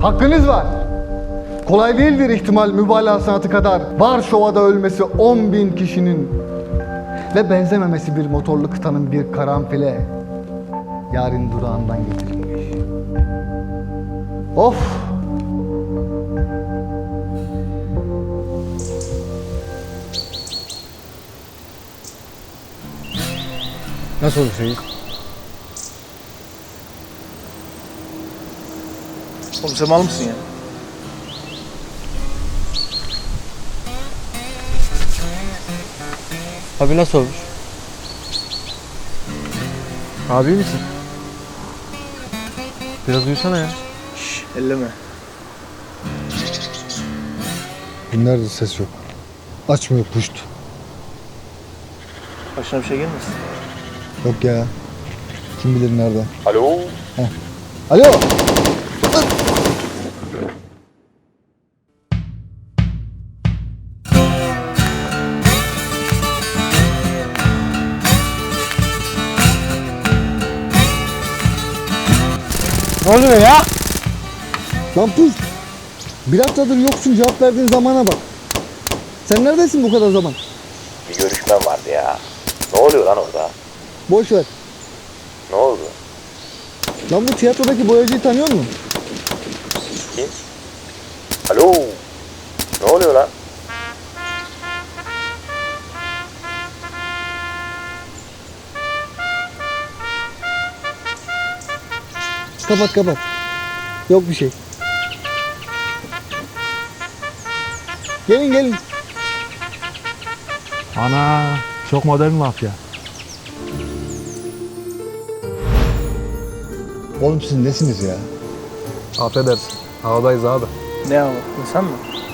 Hakkınız var. Kolay değildir ihtimal mübalağa sanatı kadar. Varşova'da ölmesi 10.000 kişinin ve benzememesi bir motorlu kıtanın bir karanfile yarın durağından getirilmiş. Of! Nasıl olur Seyit? Oğlum sen mal mısın ya? Abi nasıl olmuş? Abi iyi misin? Biraz uyusana ya. Şşş elleme. Nerede ses yok? Açmıyor puşt. Başına bir şey gelmesin. Yok ya. Kim bilir nerede? Alo. Alo! Ne oluyor ya? Lan puşt! Bir haftadır yoksun, cevap verdiğin zamana bak. Sen neredesin bu kadar zaman? Bir görüşmem vardı ya. Ne oluyor lan orada? Boş ver. Ne oldu? Lan bu tiyatrodaki boyacıyı tanıyor musun? Kim? Alo. Ne oluyor lan? Kapat kapat. Yok bir şey. Gelin gelin. Ana, çok modern mafya. Oğlum siz nesiniz ya? Affedersin, havadayız abi. Ne ama? İnsan mı?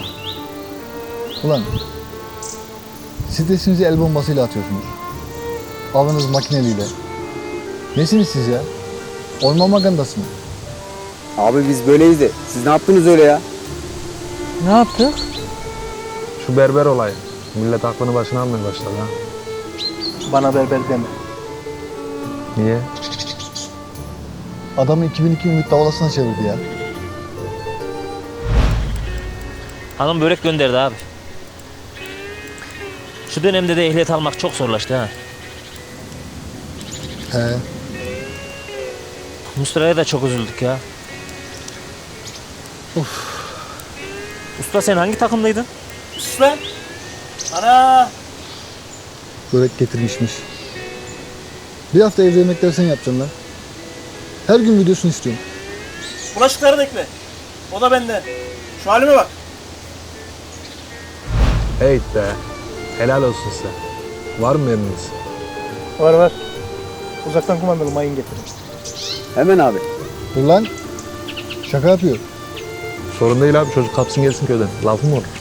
Ulan stresinizi el bombasıyla atıyorsunuz. Avınız makineliyle. Nesiniz siz ya? Orman magandası mı? Abi biz böyleyiz de siz ne yaptınız öyle ya? Ne yaptık? Şu berber olayı. Millet aklını başına almaya başladı ha. Bana berber deme. Niye? Adamı 2002 Ümit Davalası'na çevirdi ya. Hanım börek gönderdi abi. Şu dönemde de ehliyet almak çok zorlaştı ha. He. Mustafa'ya da çok üzüldük ya. Usta sen hangi takımdaydın? Sus lan! Ana! Börek getirmişmiş. Bir hafta evde yemekleri sen yapacaksın lan. Her gün videosunu istiyorum. Bulaşıkları da ekle. O da benden. Şu halime bak. Hey be, helal olsun size. Var mı emriniz? Var var. Uzaktan kumandalı mayın getirin. Hemen abi. Dur lan. Şaka yapıyor. Sorun değil abi, çocuk kapsın gelsin köyden. Lafım mı olur?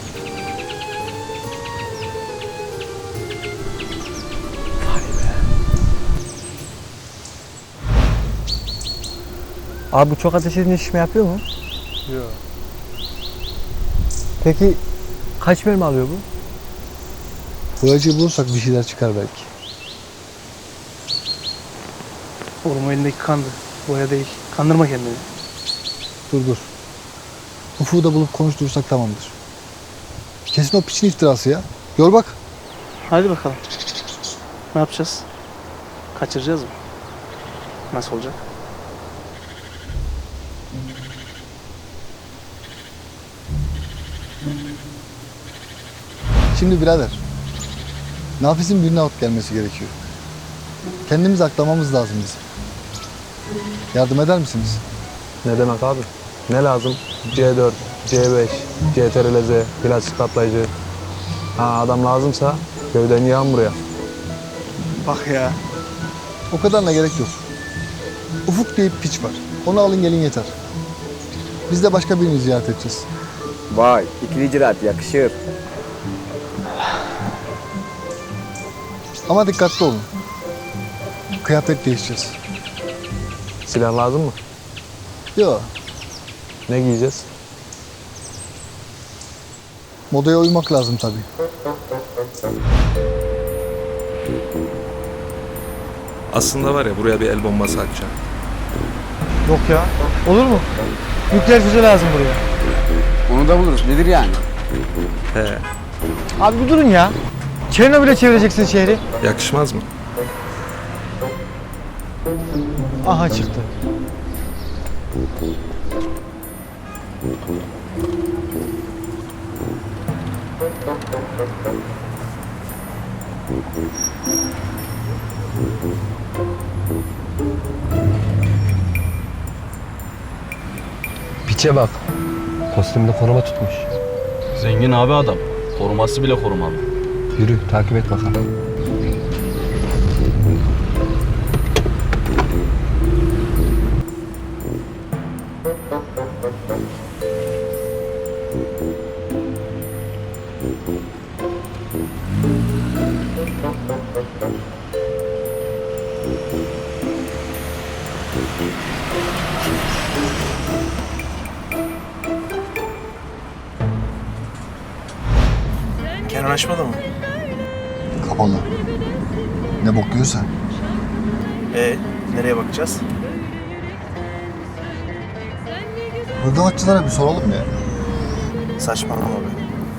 Abi bu çok ateş edince şişme yapıyor mu? Yok. Peki kaç mermi alıyor bu? Boyacıyı bulursak bir şeyler çıkar belki. Oğlum o elindeki kandı. Boya değil. Kandırma kendini. Dur dur. Ufuk'u da bulup konuşturursak tamamdır. Kesin o piçin iftirası ya. Gör bak. Hadi bakalım. Ne yapacağız? Kaçıracağız mı? Nasıl olacak? Şimdi birader. Nafis'in birine out gelmesi gerekiyor. Kendimizi aklamamız lazım bizim. Yardım eder misiniz? Ne demek abi? Ne lazım? C4, C5, CTRL-Z, plastik patlayıcı. Ha adam lazımsa köyden yağın buraya. Bak ya. O kadarına gerek yok. Ufuk diye bir piç var. Onu alın gelin yeter. Biz de başka birini ziyaret edeceğiz. Vay ikili icraat yakışır. Ama dikkatli olun. Kıyafet değişeceğiz. Silah lazım mı? Yok. Ne giyeceğiz? Modaya uymak lazım tabii. Aslında var ya buraya bir el bombası atacağım. Yok ya. Olur mu? Nükleer füze lazım buraya. Onu da buluruz. Nedir yani? Abi bir durun ya. Çernobil'e çevireceksin şehri. Yakışmaz mı? Aha çıktı. Piçe bak. Kostümde koruma tutmuş. Zengin abi adam. Koruması bile korumalı. Yürü takip et bakalım. Kenan açmadı mı? Kapalı. Ne bok yiyorsa. Nereye bakacağız? Hırdavatçılara bir soralım ya. Saçmalama be.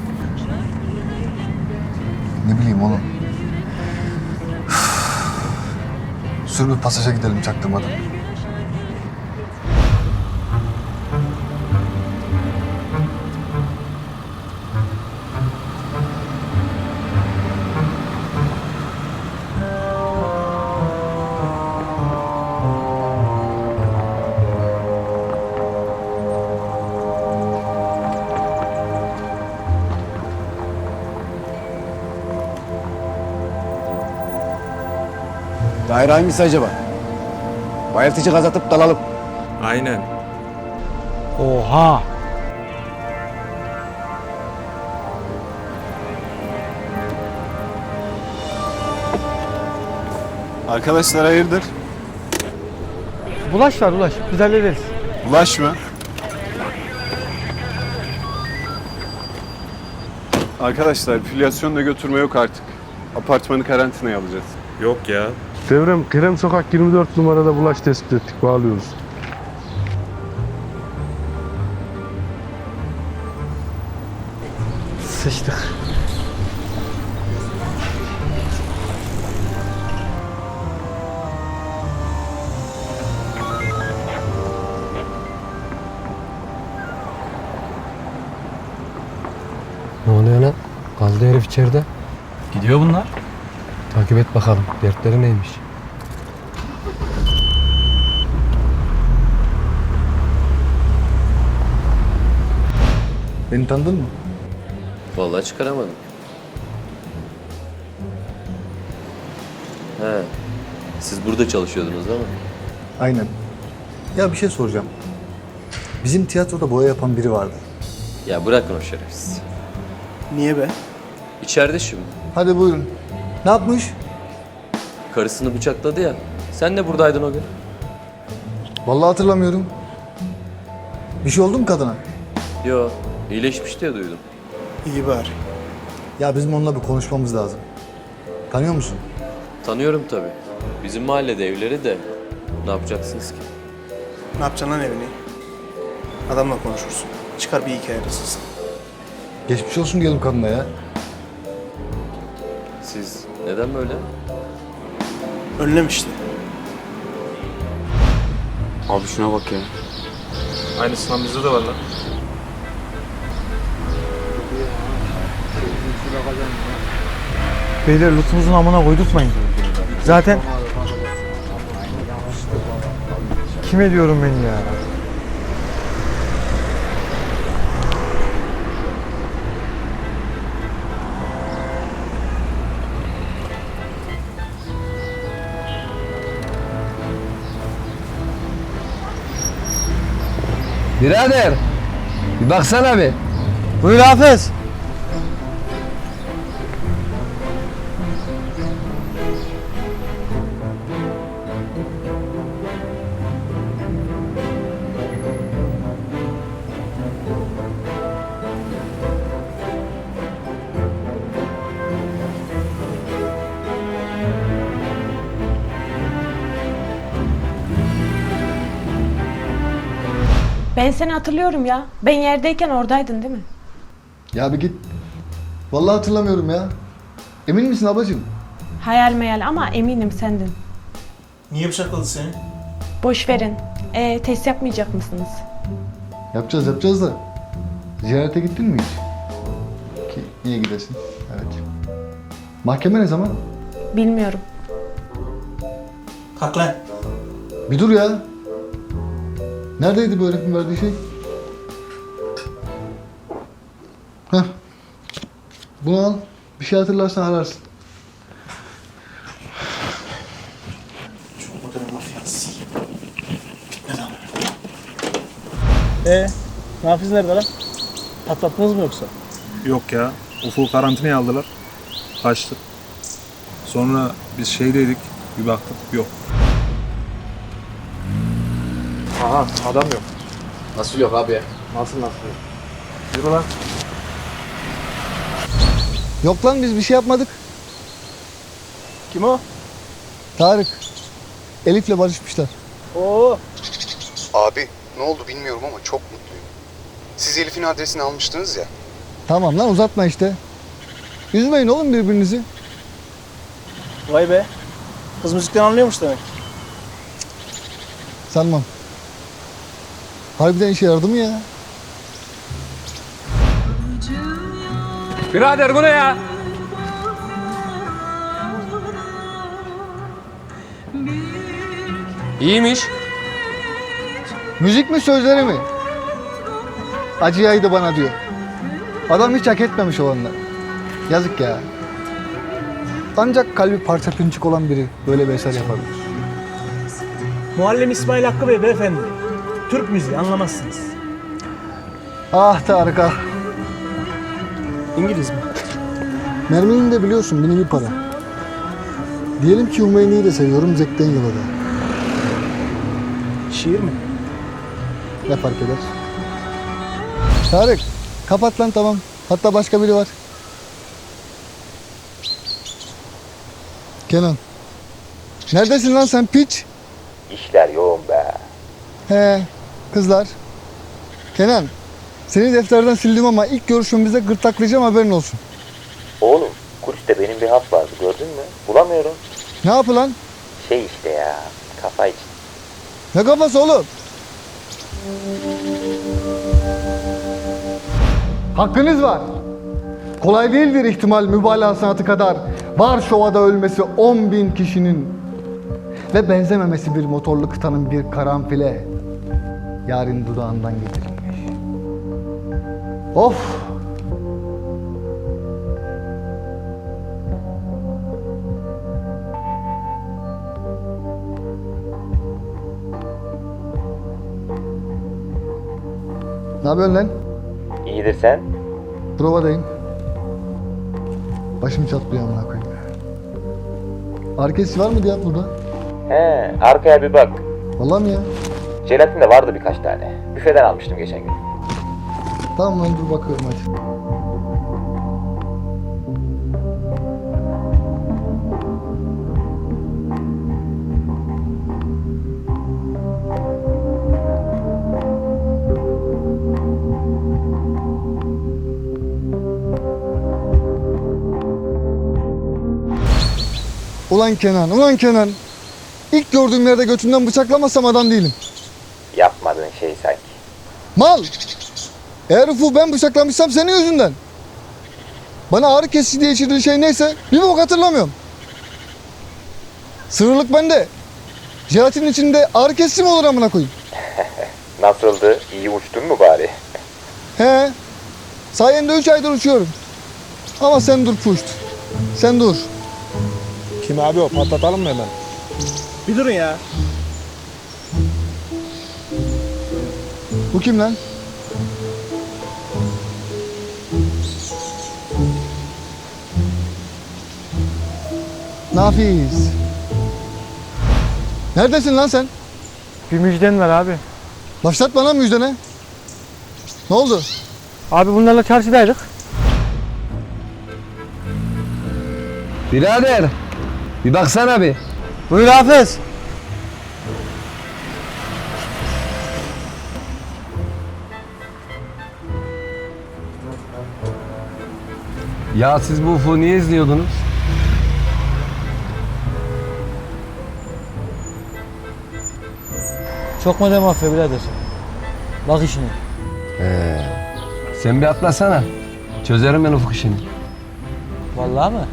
Ne bileyim oğlum. Sür bir pasaja gidelim çaktırmadan. Daire hangisi acaba? Bayıltıcı gaz atıp dalalım. Aynen. Oha. Arkadaşlar hayırdır? Bulaş var Ulaş. Biz hallederiz. Ulaş mı? Arkadaşlar filyasyonla götürme yok artık. Apartmanı karantinaya alacağız. Yok ya. Devrem, Kerem Sokak 24 numarada bulaş tespit ettik. Bağlıyoruz. Sıçtık. Ne oluyor lan? Kaldı herif içeride. Gidiyor bunlar. Takip et bakalım. Dertleri neymiş? Beni tanıdın mı? Vallahi çıkaramadım. He. Siz burada çalışıyordunuz değil mi? Aynen. Ya bir şey soracağım. Bizim tiyatroda boya yapan biri vardı. Ya bırakın o şerefsiz. Niye be? İçeride şimdi. Hadi buyurun. Ne yapmış? Karısını bıçakladı ya. Sen de buradaydın o gün. Vallahi hatırlamıyorum. Bir şey oldu mu kadına? Yo, iyileşmiş diye duydum. İyi bari. Ya bizim onunla bir konuşmamız lazım. Tanıyor musun? Tanıyorum tabii. Bizim mahallede evleri de. Ne yapacaksınız ki? Ne yapacaksın lan evini? Adamla konuşursun. Çıkar bir hikaye arasısın. Geçmiş olsun diyelim kadına ya. Siz neden böyle? Önlem işte. Abi şuna bak ya. Aynısından bizde de var lan. Beyler lütfumuzun amına koydurtmayın. Zaten... Kime diyorum ben ya? Birader. Bir baksana bir. Buyur Hafız. Ben seni hatırlıyorum ya. Ben yerdeyken oradaydın değil mi? Ya bir git. Vallahi hatırlamıyorum ya. Emin misin ablacığım? Hayal meyal ama eminim sendin. Niye bıçakladı seni? Boş verin. Test yapmayacak mısınız? Yapacağız da. Ziyarete gittin mi hiç? Ki iyi gidesin. Evet. Mahkeme ne zaman? Bilmiyorum. Kalk lan. Bir dur ya. Neredeydi bu herifin verdiği şey? Heh. Bunu al. Bir şey hatırlarsan ararsın. Çok modern mafyası. Neden? Nafiz nerede lan? Patlattınız mı yoksa? Yok ya. Ufuk karantinaya aldılar. Kaçtı. Sonra biz şeydeydik. Bir baktık yok. Aha adam yok. Nasıl yok abi ya? Nasıl yok? Yürü lan. Yok lan biz bir şey yapmadık. Kim o? Tarık. Elif'le barışmışlar. Oo. Abi ne oldu bilmiyorum ama çok mutluyum. Siz Elif'in adresini almıştınız ya. Tamam lan uzatma işte. Üzmeyin oğlum birbirinizi. Vay be. Kız müzikten anlıyormuş demek. Sanmam. Harbiden işe yaradı mı ya? Birader bu ne ya? İyiymiş. Müzik mi sözleri mi? Acıyaydı bana diyor. Adam hiç hak etmemiş olanlar. Yazık ya. Ancak kalbi parça pinçik olan biri böyle bir eser yapabilir. Muallim İsmail Hakkı Bey beyefendi. Türk müziği anlamazsınız. Ah Tarık ah. İngiliz mi? Merminin de biliyorsun bir nevi para. Diyelim ki Hümeyni'yi de seviyorum Zek'ten yola da. Şiir mi? Ne fark eder? Tarık kapat lan tamam. Hatta başka biri var. Kenan. Neredesin lan sen piç? İşler yoğun be. He kızlar. Kenan. Seni defterden sildim ama ilk görüşümüzde gırtlaklayacağım haberin olsun. Oğlum kulüpte benim bir hap vardı gördün mü? Bulamıyorum. Ne yapı lan? Şey işte ya kafa için. Ne kafası oğlum? Hakkınız var. Kolay değildir ihtimal mübalağa sanatı kadar. Varşova'da ölmesi 10.000 kişinin ve benzememesi bir motorlu kıtanın bir karanfile yarın dudağından getirilmiş. Of! Ne yapıyorsun lan? İyidir sen? Provadayım. Başım çatlıyor amına koyayım. Arkesi var mı diye burada? He arkaya bir bak. Vallahi mi ya? Jelatin de vardı birkaç tane. Büfeden almıştım geçen gün. Tamam lan dur bakıyorum hadi. Ulan Kenan, ulan Kenan. İlk gördüğüm yerde götünden bıçaklamasam adam değilim. Yapmadığın şey sanki. Mal! Eğer Ufuk'u ben bıçaklamışsam senin yüzünden. Bana ağrı kesici diye içirdiği şey neyse bir bok hatırlamıyorum. Sığırlık bende. Jelatin içinde ağrı kesici mi olur amına koyayım? Nasıldı? İyi uçtun mu bari? He. Sayende 3 aydır uçuyorum. Ama sen dur puşt. Sen dur. Kim abi o? Patlatalım mı hemen? Bir durun ya. Bu kim lan? Nafiz. Neredesin lan sen? Bir müjden var abi. Başlat bana müjdene. Ne oldu? Abi bunlarla çarşıdaydık. Birader. Bir baksana bir. Buyur Hafız. Ya siz bu Ufuk'u niye izliyordunuz? Çok modern mafya birader. Bak işine. Sen bir atlasana. Çözerim ben Ufuk işini. Vallahi mı?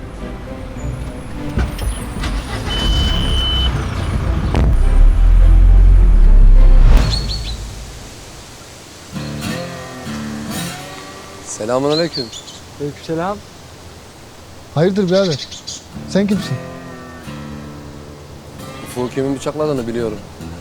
Selamünaleyküm. Aleykümselam. Hayırdır birader? Sen kimsin? Ufuk'u kimin bıçakladığını biliyorum.